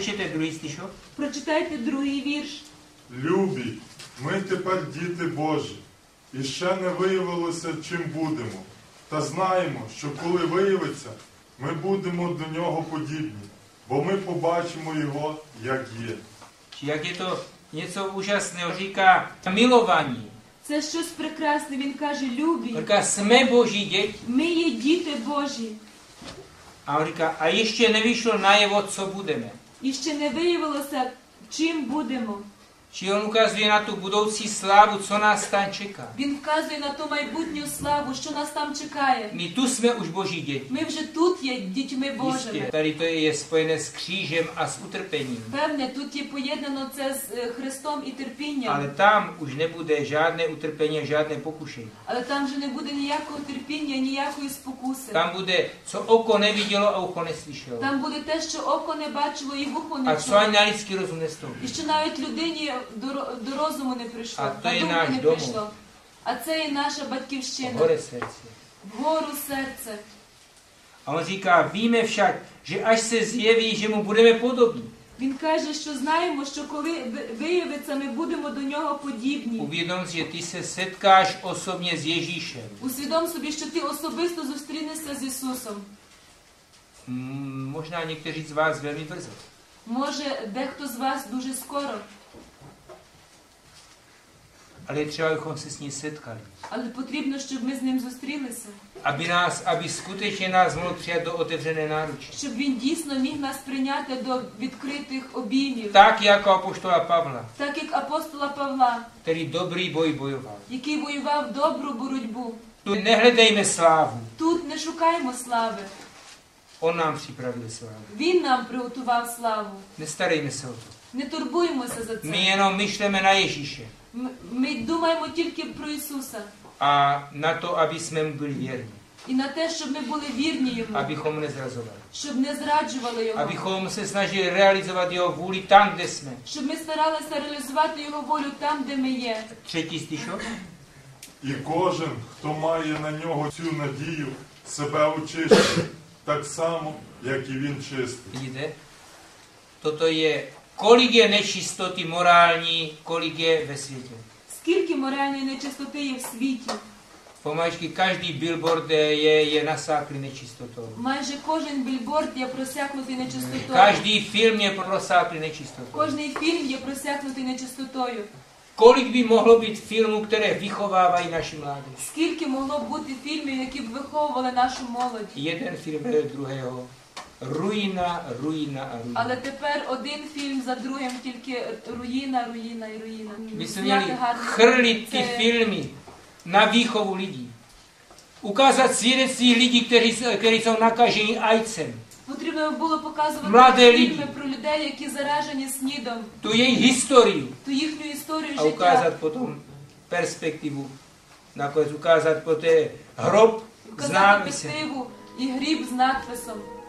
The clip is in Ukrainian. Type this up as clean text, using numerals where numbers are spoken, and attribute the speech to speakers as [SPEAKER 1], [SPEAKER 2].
[SPEAKER 1] přečtěte druhý стишок.
[SPEAKER 2] Прочитайте другий вірш.
[SPEAKER 3] Любі, ми тепер діти Божі, і ще не виявилося, чим будемо. Та знаємо, що коли виявиться, ми будемо до нього подібні, бо ми побачимо його, як є.
[SPEAKER 1] Jak je to něco úžasného, říká milování.
[SPEAKER 2] Це щось прекрасне, він каже, любі.
[SPEAKER 1] Říká, jsme boží děti.
[SPEAKER 2] Ми є діти Божі.
[SPEAKER 1] A on říká, a ještě nevyšlo najevo, co budeme.
[SPEAKER 2] І ще не виявилося, чим будемо.
[SPEAKER 1] Či on ukazuje na tu budoucí slávu, co nás tam čeká.
[SPEAKER 2] Він вказує на ту майбутню славу, що нас там чекає.
[SPEAKER 1] My tu jsme už boží děti.
[SPEAKER 2] Ми вже тут є дітьми Божими.
[SPEAKER 1] Jistě, tady to je spojené s křížem a s utrpením.
[SPEAKER 2] Певне, тут є поєднано це з Христом і терпінням.
[SPEAKER 1] Ale tam už nebude žádné utrpení a žádné pokušení.
[SPEAKER 2] Але там вже не буде ніякого терпіння, ніякої спокуси.
[SPEAKER 1] Tam bude, co oko nevidělo a ucho neslyšelo.
[SPEAKER 2] Там буде те, що око не бачило і вухо
[SPEAKER 1] A
[SPEAKER 2] не
[SPEAKER 1] co
[SPEAKER 2] чуло.
[SPEAKER 1] ani na lidský rozum nestoupí.
[SPEAKER 2] І що навіть людині до розуму не прийшло,
[SPEAKER 1] А то
[SPEAKER 2] на
[SPEAKER 1] є
[SPEAKER 2] думку
[SPEAKER 1] наш
[SPEAKER 2] не
[SPEAKER 1] дом.
[SPEAKER 2] прийшло. А це є наша батьківщина.
[SPEAKER 1] Hore srdce.
[SPEAKER 2] Вгору серце.
[SPEAKER 1] A on říká, víme však, že až se zjeví, že mu budeme podobní.
[SPEAKER 2] Він каже, що знаємо, що коли виявиться, ми будемо до нього подібні.
[SPEAKER 1] Uvědom si, že ty se setkáš osobně s Ježíšem.
[SPEAKER 2] Усвідом собі, що ти особисто зустрінешся з Ісусом.
[SPEAKER 1] Možná někteří z vás velmi brzo.
[SPEAKER 2] Може, дехто з вас дуже скоро.
[SPEAKER 1] Ale je třeba, abychom se s ním setkali.
[SPEAKER 2] Але потрібно, щоб ми з ним зустрілися.
[SPEAKER 1] Aby skutečně nás mohl přijat do otevřené náruče.
[SPEAKER 2] Щоб він дійсно міг нас прийняти до відкритих обіймів.
[SPEAKER 1] Tak jako apoštola Pavla,
[SPEAKER 2] Так як апостола Павла,
[SPEAKER 1] který dobrý boj bojoval.
[SPEAKER 2] який воював добру боротьбу.
[SPEAKER 1] Tu nehledejme slávu.
[SPEAKER 2] Тут не шукаємо слави.
[SPEAKER 1] On nám připravil slávu.
[SPEAKER 2] Він нам приготував славу.
[SPEAKER 1] Nestarejme se o to.
[SPEAKER 2] Не турбуємося за
[SPEAKER 1] My
[SPEAKER 2] це.
[SPEAKER 1] jenom myšleme na Ježíše.
[SPEAKER 2] Ми думаємо тільки про Ісуса.
[SPEAKER 1] A na to, aby jsme mu byli věrní.
[SPEAKER 2] І на те, щоб ми були вірні Йому.
[SPEAKER 1] Abychom nezrazovali.
[SPEAKER 2] Щоб не зраджували Його.
[SPEAKER 1] Abychom se snažili realizovat jeho vůli tam, kde jsme.
[SPEAKER 2] Щоб ми старалися реалізувати Його волю там, де ми є.
[SPEAKER 1] Třetí stišok.
[SPEAKER 3] І кожен, хто має на нього цю надію, себе очищує, так само, як і він чистий.
[SPEAKER 1] Vidíte? Toto je, kolik je nečistoty morální, kolik je ve světě.
[SPEAKER 2] Скільки моральної нечистоти є в світі?
[SPEAKER 1] Помалečky každý billboard je nasáklý nečistotou.
[SPEAKER 2] Майже кожен більборд є просякнутий нечистотою.
[SPEAKER 1] Každý film je prosáklý nečistotou.
[SPEAKER 2] Кожний фільм є просякнутий нечистотою.
[SPEAKER 1] Kolik by mohlo být filmů, které vychovávají naši mládež?
[SPEAKER 2] Скільки могло б бути фільмів, які б виховували нашу молодь?
[SPEAKER 1] Jeden film vedle druhého. Ruina, ruina a ruina.
[SPEAKER 2] Але тепер один фільм за другим, тільки руїна, руїна і руїна.
[SPEAKER 1] My jsme
[SPEAKER 2] Зняти
[SPEAKER 1] měli
[SPEAKER 2] гарні
[SPEAKER 1] chrlit ty
[SPEAKER 2] це-
[SPEAKER 1] filmy na výchovu lidí. Ukázat svědectví lidí, kteří jsou nakaženi ajcem.
[SPEAKER 2] Потрібно було показувати
[SPEAKER 1] Младі
[SPEAKER 2] фільми
[SPEAKER 1] люди.
[SPEAKER 2] про людей, які заражені СНІДом,
[SPEAKER 1] Tu jejich historii.
[SPEAKER 2] ту їхню історію
[SPEAKER 1] A
[SPEAKER 2] життя.
[SPEAKER 1] ukázat potom perspektivu. Nakonec ukázat poté hrob s
[SPEAKER 2] Показати
[SPEAKER 1] nápisem.
[SPEAKER 2] перспективу і гріб з надписом.